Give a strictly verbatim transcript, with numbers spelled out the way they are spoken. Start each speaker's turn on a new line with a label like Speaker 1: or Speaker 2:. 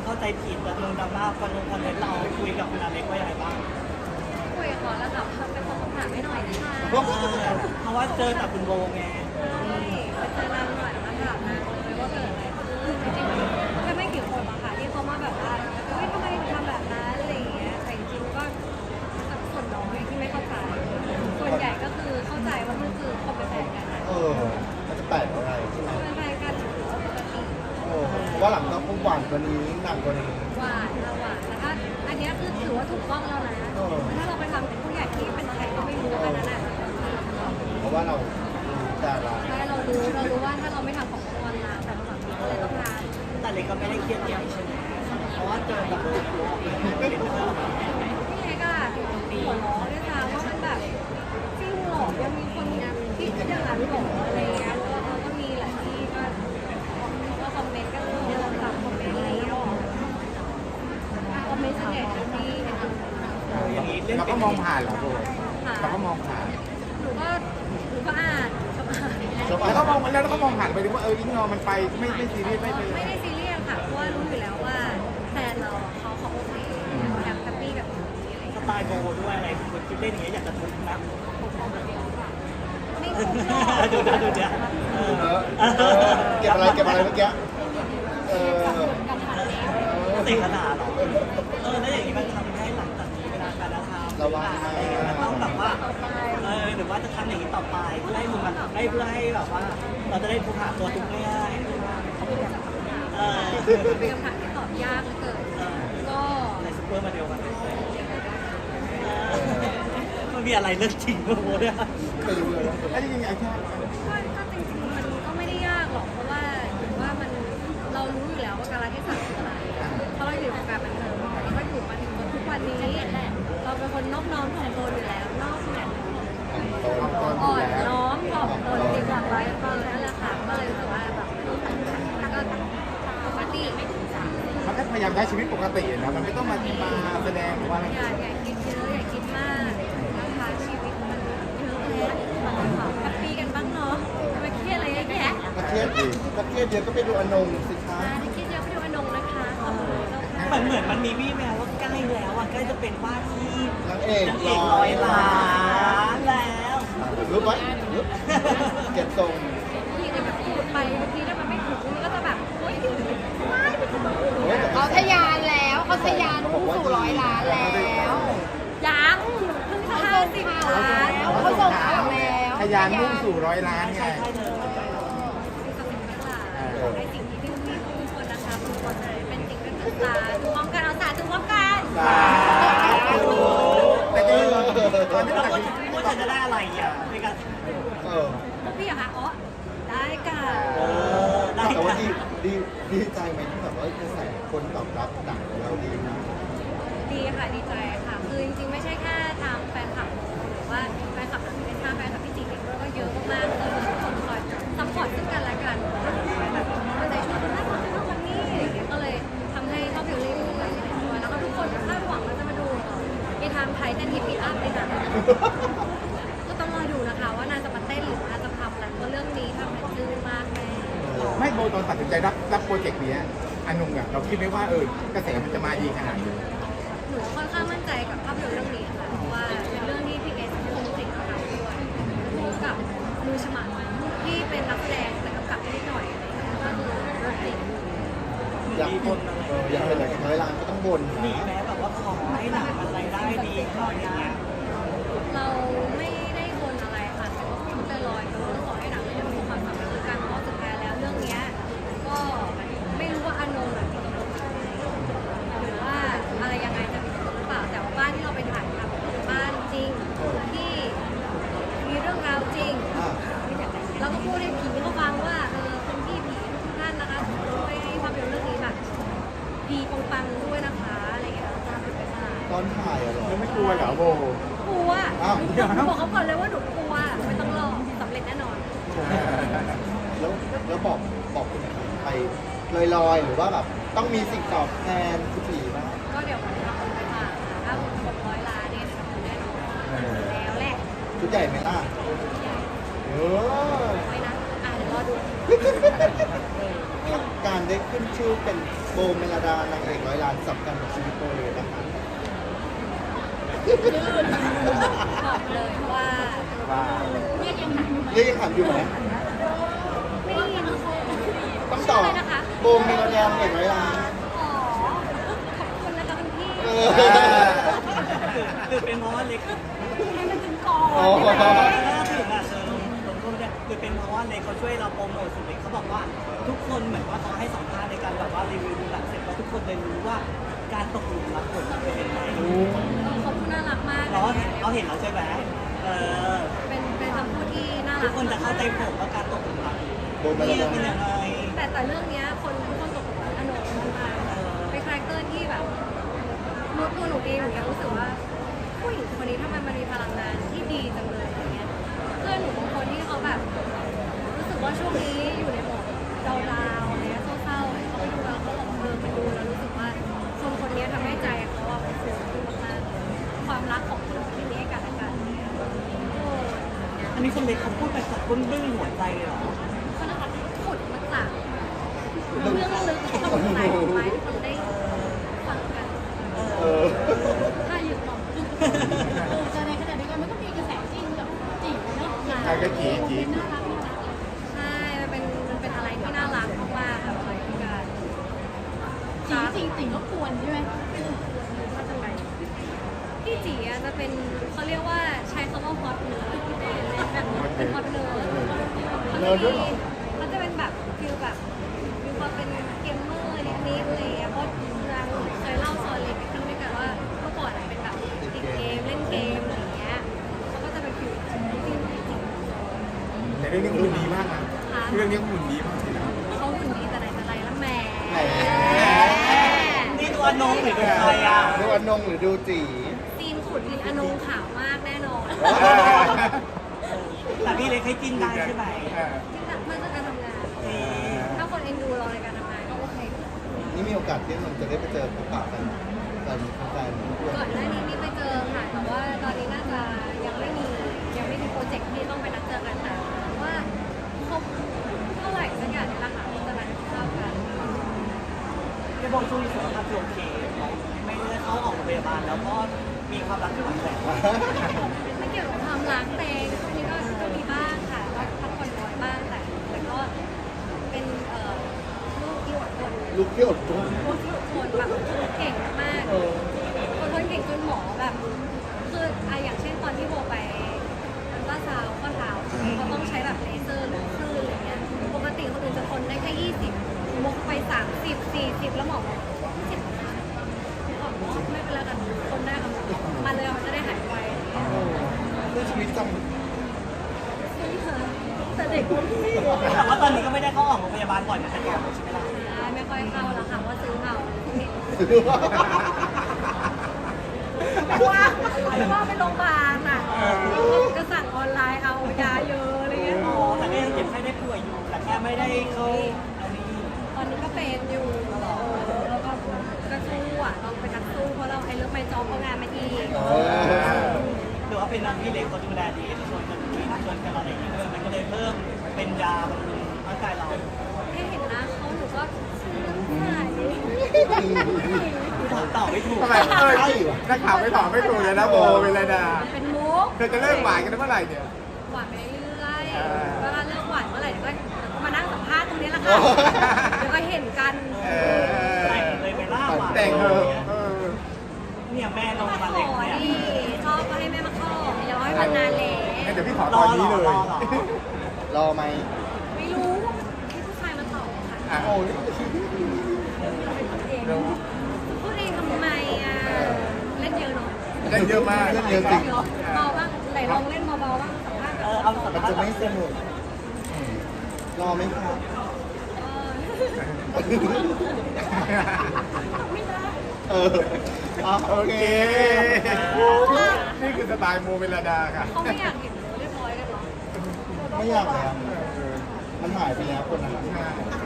Speaker 1: เข้าใจผิดแบบมึงดราม่าคอนเทนต์คอนเทนต์เราคุยกับคุณอาเล็กว่ายังไงบ้าง
Speaker 2: คุยกับเขาแล้วแบบเป็นคนคำถามไม่หน่อยนะคะ
Speaker 1: เพราะว่าเจอแต่คุณโบไง
Speaker 2: ไปเจอนางหน่อยแล้วถามนางเลยว่าเกิดอะไรขึ้นจริงๆแค่ไม่กี่คนอะค่ะที่เขามาแบบว่าเฮ้ยทำไมถึงทำแบบนั้นอะไรอย่างเงี้ยแต่จริงๆก็สักส่วนน้อยที่ไม่เข้าใจส่วนใหญ่ก็คือเข้าใจว่ามันคือคนเป็นแฟนกันนะ
Speaker 3: เออมันจะแปลกอะไร
Speaker 2: เป็นแฟนกันถือว่าปกติ
Speaker 3: เออเพราะว่าหลังต้องพุ่งหวานกว่านี้หนักกว่านี้
Speaker 2: หวานค่ะหวานแล้วก็อันเนี้ยคือถือว่าถูกต้องแล้วนะถ้าเราไปทำกับผู้ใหญ่ที่เป็นใครก็ไม่รู้อันนั้นอ่ะ
Speaker 3: เพราะว่าเราแต่ละ
Speaker 2: ใช่เรารู้เรารู้ว่าถ้าเราไม่ทำของตัวเราแต่เราแบบนี้ก็เลยต้องทำ
Speaker 1: แต่เล็กก็ไม่ได้เครียดใหญ่ใช่ไหมเพราะว่าเจอแบบโบเป็นเพื่อน
Speaker 2: พี่เล็กอะหัวล้อด้วยซ้ำว่ามันแบบจริงเหรอยังมีคนคิดอย่างนั้นเหรออะไรเงี้ยแล้วก็ก็มีหลายที่ก็ก็คอมเมนต์กันเยอะค่ะคอมเมนต์อะไรเงี้ยคอมเมนต์ส่วนใหญ่จะดีเป็นอัน
Speaker 1: อย่างนี้เรื่อง
Speaker 4: เราก็มองผ่านเหรอโบเราก็มองผ่าน
Speaker 2: หนูก็หนูก็อ่านชอบอ่าน
Speaker 4: แล้วก็มองแล้วเราก็มองผ่านไปดูว่าเอออิงนอมันไปไม่ไม่ซีเรียสไม่เป็น
Speaker 2: ไม่ได้ซีเรียสค่ะเพราะว่ารู้อยู่แล้วว่าแฟนเราเขาเขาโอเคเขาแฮปปี้กับตรงนี้อะไร
Speaker 1: ส
Speaker 2: เงี้ย
Speaker 1: ไตล์โบด้วยอะไรคนคิดเล่นอย่างเงี้ยอยากจะทุบนะ
Speaker 2: ไม่คุ้มหรอก
Speaker 1: ดูนะดูเนี่ยเอ
Speaker 3: เอ
Speaker 1: อ
Speaker 3: อเออเก็บอะไรเก็บอะไรเมื่อกี้เออ
Speaker 1: ติดขนาดหรอเออแล้วอย่างนี้มันทำให้หลังจากนี้เวลาการทำ
Speaker 3: ระวัง
Speaker 1: อะไรอย่างเงี้ยมันต้องแบบว่าเออหรือว่าจะทำอย่างนี้ต่อไปเพื่อให้มึงมันให้เพื่อให้แบบว่า เราจะได้ทุกหาตัวทุกง่ายๆเออ
Speaker 2: เป็นคำถามที่ตอบยากเหลือเกินก็
Speaker 1: ในซุปเปอร์มาเดียวกันมันมีอะไรเรื่องจริงโมเนี่ย
Speaker 3: ไปดูเลยนะ
Speaker 4: แล้วจริงๆไอ้ชาติ
Speaker 2: ก็ก็จริงๆมันก็ไม่ได้ยากหรอกเพราะว่าถือว่ามันเรารู้อยู่แล้วว่าการเทศะคืออะไรเพราะเราอยู่ในวงการบันเทิงเราก็อยู่มาถึงจนทุกวันนี้เราเป็นคนนอบน้อมถ่อมตนอยู่แล้วนอกเนี่ย
Speaker 3: ตอนตอน
Speaker 2: อ่อนน้อมถ่อมตนดีกว่าไว้ก็เลยนั่นแหละค่ะก็เลยรู้สึกว่าแบบก็ปกติไม่ถึงสาม
Speaker 4: มันก็พยายามใช้ชีวิตปกตินะมันไม่ต้องมามาแสดงหรือว่าอะไร
Speaker 2: อย่าอย่าคิดเยอะอย่าคิดมากนะคะชีวิตมันเยอะแยะแฮปปี้กันบ้างเนาะมาเครียดอะไรเยอะแยะ
Speaker 3: กระเทียดดิกระเทียดเดียวก็ไปดูอนงสิคะ
Speaker 2: อ่าที่คิดเยอะไปดูอนงนะคะขอบคุณ
Speaker 1: เหมือนเหมือนมันมีวี่แววว่าใกล้แล้วอ่ะใกล้จะเป็นว่าที่
Speaker 3: นางเอก
Speaker 1: นางเอกร้อยล้านแล้ว
Speaker 3: รู้ไหมเก็บทรง
Speaker 2: พี่ก็แบบพูดไปบางทีถ้ามันไม่ถูกมันก็จะแบบโอ๊ยไม่ไม่ถูก
Speaker 3: โอ้ยแต่
Speaker 5: เขาทะยานแล้วเขาทะยานพุ่งสู่ร้อยล้านแล้ว
Speaker 2: ยังเพิ่งจะห้าสิบล้าน
Speaker 5: เขาส่งข่าวแล้ว
Speaker 4: ทะยานมุ่งสู่ร้อยล้านไง
Speaker 1: ใช่ใช่เธอ
Speaker 2: ไอ้สิ่งที่พี่มีทุกคนนะคะทุกคนเลยเป็นสิ่งเป็นตาดูพร้อมกันเอาสาธุพร้อมกัน
Speaker 3: สาธุ
Speaker 4: แต่จริงๆตอนนี้
Speaker 1: แล้ว
Speaker 4: ตัด
Speaker 1: ว่า
Speaker 4: สิน
Speaker 1: ว่าฉันจะได้อะไรอ่ะในการ
Speaker 3: เออ
Speaker 2: พี่อะคะอ๋อได้ค่ะ
Speaker 1: เออได้
Speaker 3: แต่ว่า
Speaker 1: ค่ะ
Speaker 3: ดีดีดีใจไหมที่แบบว่ากระแสคนตอบรับหนังของเราดีนะ
Speaker 2: ดีค่ะดีใจค่ะคือจริงๆไม่ใช่แค่ทางแฟนคลับหรือว่าแฟนคลับหนังเป็นทางแฟนคลับพี่จิ๋งเองด้วยก็เยอะมากๆเลยทุกคนคอยซัพพอร์ตซึ่งกันและกันแบบเอาใจช่วยคนนั้นคนนั้นคนนี้อะไรอย่างเงี้ยก็เลยทำให้ภาพยนตร์เรื่องนี้เป็นการด้วยแล้วก็ทุกคนคาดหวังว่าจะมาดูในทางไทยเต้นฮิปปี้อัพในหนังก็ต้องรอดูนะคะว่านางจะมาเต้นหรือนางจะทำอะไรเพราะเรื่องนี้ทำให้ซื่อมากแม่
Speaker 4: ไม่โบตอนตัดสินใจรับรับโปรเจกต์นี้อันนุ่งอะเราคิดไหมว่าเออกระแสมันจะมาดีขนาดนี้
Speaker 2: หนูค่อนข้างมั่นใจกับภาพยนตร์เรื่องนี้ค่ะเพราะว่าเป็นเรื่องที่พี่เอสคงสิงห์ทำด้วยร่วมกับมือฉมัดที่เป็นนักแสดงแต่กำกับนิดหน่อยอะไรอย่างเงี้ยก็คือรถติด
Speaker 3: อยากบนเอออยากเป็นหนังร้อยล้านก็ต้องบน
Speaker 1: หนีแม้แบบว่าขอให้หนังมันรายได้ดีขออย่างเงี้ย
Speaker 2: เราไม่ได้บนอะไรค่ะแต่ก็พูดลอยๆก็ขอให้หนังเรื่องนี้มีความสำเร็จด้วยกันเพราะสุดท้ายแล้วเรื่องเนี้ยก็ไม่รู้ว่าอานงหรือว่าอะไรยังไงจะมีหรือเปล่าแต่ว่าบ้านที่เราไปถ่ายทำเป็นบ้านจริงที่มีเรื่องราวจริง
Speaker 3: อ่า
Speaker 2: เราก็พูดให้ผีเขาฟังว่าเออคนที่ผีทุกท่านนะคะช่วยให้ภาพยนตร์เรื่องนี้แบบผีปังๆด้วยนะคะอะไรอย่างเงี้ยตามเป็นไปได้
Speaker 3: ตอนถ่ายอะเหรอ
Speaker 4: แล้วไม่กลัวเหรอโบ
Speaker 2: กลัว
Speaker 3: อ้าว
Speaker 2: หนูบอกเขาก่อนเลยว่าหนูกลัวไม่ต้องรอสำเร็จแน่นอน
Speaker 3: แล้วแล้วบอกบอกคุณไปลอยๆหรือว่าแบบต้องมีสิ่งตอบแทนคุณผีบ้าง
Speaker 2: ก็เดี๋ยวผมจะเอาไปฝากค่ะถ้าผมหมดร้อยล้านเนี่ยจะทำแน่นอนแล้วแหละ
Speaker 3: ชุดใหญ่ไหมล่ะเออ
Speaker 2: ไม่นะอ่ะเดี๋ยวรอดู
Speaker 3: การได้ขึ้นชื่อเป็นโบเมลดานางเอกร้อยล้านสำคัญกับชีวิตโบเลยนะคะ
Speaker 2: บอกเลยว่า
Speaker 4: ว่า
Speaker 5: เรียกยังไง
Speaker 3: เรียกยังถามอยู่ไหม
Speaker 2: ไม่ได้ยิน
Speaker 3: ต้องตอบ
Speaker 2: ชื่ะไรนะคะ
Speaker 3: โบเมลดานางเอกร้อยล้าน
Speaker 2: อ๋อขอบคุณนะคะคุณพี่
Speaker 3: เอ
Speaker 1: คือ
Speaker 3: อ
Speaker 1: คือเป็นเพราะว่าเล็ก
Speaker 2: ให้มันถึงก่อน
Speaker 3: โอ้โห
Speaker 1: ถ้าถึงอ่ะเออลงโทษเนี่ยคือเป็นเพราะว่าเล็กเขาช่วยเราโปรโมทสุดเล็กเขาบอกว่าทุกคนเหมือนว่าเขาให้สัมภาษณ์ในการแบบว่ารีวิวดูหลังเสร็จแล้วทุกคนเลยรู้ว่าการตกหลุมรักผลมันเป็นยังไง
Speaker 2: ขอบคุณน่ารักมาก
Speaker 1: เราเราเห็นเราใช่ไหมเออ
Speaker 2: เป็นเป็นคำพูดที่น่ารัก
Speaker 1: ทุกคนจะเข้าใจผมว่าการตกหลุมรัก
Speaker 3: โบเมล
Speaker 1: เนี่ย
Speaker 3: ดา
Speaker 1: เป็นยังไง
Speaker 2: แต่แต่เรื่องเนี้ยคนทุกคนตกหลุมรักอโนมากๆเป็นคาแรคเตอร์ที่แบบหนูตัวหนูเองหนูยังรู้สึกว่าผู้หญิงคนนี้ทำไมมันมีพลังงานที่ดีจังเลยอะไรเงี้ยเพื่อนหนูบางคนที่เขาแบบ รู้สึกว่าช่วงนี้อยู่ในโหมดดาวๆอะไรเงี้ยเศร้าๆเขาไปดูแล้วเขาบอกว่าเออไปดูแล้วรู้สึกว่าคนคนนี้ทำให้ใจเขาอะมันฟูขึ้นมากๆความรักของคนที่มีให้กันและกันเนี่ยโอ้
Speaker 1: อันนี้คนเล็กเขาพูดไปจากก้นบึ้งหัวใจเลยเหรอ
Speaker 2: เขานะคะขุดมาจากเรื่องลึกของใจของไม้ที่คนได้ฟังกัน
Speaker 3: เออ
Speaker 2: ถ้าอยู่หนอง
Speaker 5: แต่ในขณะเดียวกันมันก็มีกระแสจิ้นกับจีบเนาะ
Speaker 4: ใครก็จีบจีบ
Speaker 5: น่ารักน่ารัก
Speaker 2: ใช่มันเป็นมันเป็นอะไรที่น่ารักมากๆกับอะไรที่การ
Speaker 5: จีจริงจริงก็ควรใช่ไหม
Speaker 2: มาจากไหนพี่จีอะจะเป็นเขาเรียกว่าใช้คำว่าฮอตเนื้อแบบเป็นฮอตเนื้อเขาจะเป็นแบบฟิลแบบมีความเป็นเกมเมอร์นิดๆอะไรอย่างเงี้ยเพราะนางเคยเล่าซอนเล็กขึ้นด้วยกันว่าเมื่อก่อนเป็นแบบติดเกมเล่นเกมอะไรอย่างเงี้ยเขาก็จะเป็นฟิลจริงจริง
Speaker 4: แต่เรื่องนี้คุณดีมากนะเรื่องนี้คุณดีมากเลยนะ
Speaker 2: เขาหุ่นดีแต่ไหนแต่ไรแล้วแหม
Speaker 1: นี่ตัวน้องหรือเป็นใครอ่ะ
Speaker 3: ดูอนงหรือดูจี
Speaker 2: ซีนขุดดินอนงขาวมากแน่นอน
Speaker 1: แต่พี่เล็กให้กินได้ใช่ไหม
Speaker 4: เออ
Speaker 2: ที่แบบมันจะการทำงาน ถ้าคนเอ็นดูเราในการทำงานก็โอเค
Speaker 3: นี่มีโอกาสที่มันจะได้ไปเจอพบปะกันกันแฟนๆด้วย
Speaker 2: ก่อนหน้านี้มีไปเจอค่ะแต่ว่าตอนนี้น่าจะยังไม่มียังไม่มีโปรเจกต์ที่ต้องไปนัดเจอกันแต่ว่าครบเท่าไหร่สักอย่างนี่แหละค่ะจะนัดเข้ากัน
Speaker 1: พี่บอกช่วงนี้สุขภาพโอเคไม่ได้เข้าออกโรงพยาบาลแล้วก็มีความรักที่หวานแหวว
Speaker 2: ไม่เกี่ยวกับความรักเองช่วงนี้ก็ก็มีบ้างค่ะก็พักผ่อนน้อยบ้างแต่แต่ก็เป็นเอ่อลูกที่อดทน
Speaker 3: ลูกที่อดทน
Speaker 2: ลูกที่อดทนแบบเก่งมาก
Speaker 3: เออ
Speaker 2: คนคนเก่งจนหมอแบบ คืออะอย่างเช่นตอนที่โบไปอัลตราซาวด์ข้อเท้าเขาต้องใช้แบบเลเซอร์หรือคลื่นอะไรเงี้ยปกติคนอื่นจะทนได้แค่ยี่สิบโบไปสามสิบสี่สิบแล้วหมอบอกเจ็บนะบอกว่าไม่เป็นไรกันทนได้ค่ะมาเลยมันจะได้หายไวอะไรเงี้ย
Speaker 3: ด้วยชีวิตจ
Speaker 2: แต่เด็กคนที่
Speaker 1: แต่ว่าตอนนี้ก็ไม่ได้เข้าออกโรงพยาบาลบ่อยเหมือนแต่ก่อนใช่ไหมล่ะ
Speaker 2: ไม่ค่อยเข้าแล้วค่ะว่าซื้อเอา
Speaker 3: ำ
Speaker 2: ว่าว่าไปโรงพยาบาลอ่ะก็สั่งออนไลน์เอายาเยอะอะไรเงี้ย
Speaker 1: อ๋อแต่ก็ยังเจ็บไข้ได้ป่วยอยู่แต่แค่ไม่ได้เข้าอันนี้
Speaker 2: ตอนนี้ก็เป็นอยู่แล้วก็ก็สู้อ่ะเราเป็นนักสู้เพราะเราไอ้เรื่องไม่จอบเอางานมาอีก
Speaker 3: เออ
Speaker 1: หรือว่าเป็นนักพี่เล็กเขาดูแลดีชวนกันกินชวนกันอะไรอย่างเงี้ยด้วยมันก็เลยเพิ่มเป็นยาบำรุงร่างกายเรา
Speaker 2: ให้เห็นหน้าเขาหนูก็ชื่นใจ
Speaker 1: ตอบไม่ถูก
Speaker 4: ทำไมเออนักข่าวไม่ตอบไม่ถูกเลยนะโบเป็นไรนะ
Speaker 2: เป็นมุก
Speaker 4: เธอจะเลิกหวานกันเมื่อไหร่เนี่ย
Speaker 2: หวานไปเรื่อย
Speaker 4: เออ
Speaker 2: ๆเวลาเลิกหวานเมื่อไหร่เดี๋ยวก็มานั่งสัมภาษณ์ตรงนี้แหละค่ะเดี๋ยวก็เห็นกัน
Speaker 4: เออ
Speaker 1: แต่งเลยไปล่าหวาน
Speaker 4: แต่งเธอะเออ
Speaker 1: เนี่ยแม่ลง
Speaker 2: มา
Speaker 1: มา
Speaker 2: ข
Speaker 1: เล็ก
Speaker 2: อ
Speaker 1: เนี่ย
Speaker 2: ดิชอบก็ให้แม่มาขออย่าร้อยพันนานเลย
Speaker 4: งั้นเดี๋ยวพี่ขอ
Speaker 1: ร
Speaker 4: ต
Speaker 1: อ
Speaker 4: อน
Speaker 1: หร
Speaker 4: นี้
Speaker 1: อ
Speaker 4: เลย
Speaker 1: รอหรอ
Speaker 3: รอไหม
Speaker 2: ไม่รู้ว่าให้ผู้ชายมาตอบค่ะ
Speaker 4: อ่ะ
Speaker 3: โอ้ย
Speaker 2: เองพูดเองทำไมอ่ะเล่นเยอะเนาะ
Speaker 4: เล่นเยอะมาก
Speaker 3: เล่นเยอะจริง
Speaker 2: เบาบ้างไหนลองเล่นเบาๆบ้างสัมภาษณ์
Speaker 1: เออเอาสัม
Speaker 3: มัน
Speaker 1: ภาษ
Speaker 3: จะ
Speaker 1: ณ์
Speaker 3: ไม่สนุกรอไหมครับ
Speaker 2: ไม่ได้
Speaker 3: เอออ่ะ
Speaker 4: โอ
Speaker 3: โอ
Speaker 4: เค
Speaker 3: เค
Speaker 4: นี่คือสไตล์โมเวลดาค่ะ
Speaker 2: เขาไม่อยากเห็นหนูเรียบร้อยกันหรอ
Speaker 3: ไม่อยากแล้ว มันหายไปแล้วคนนั้น
Speaker 4: ใช่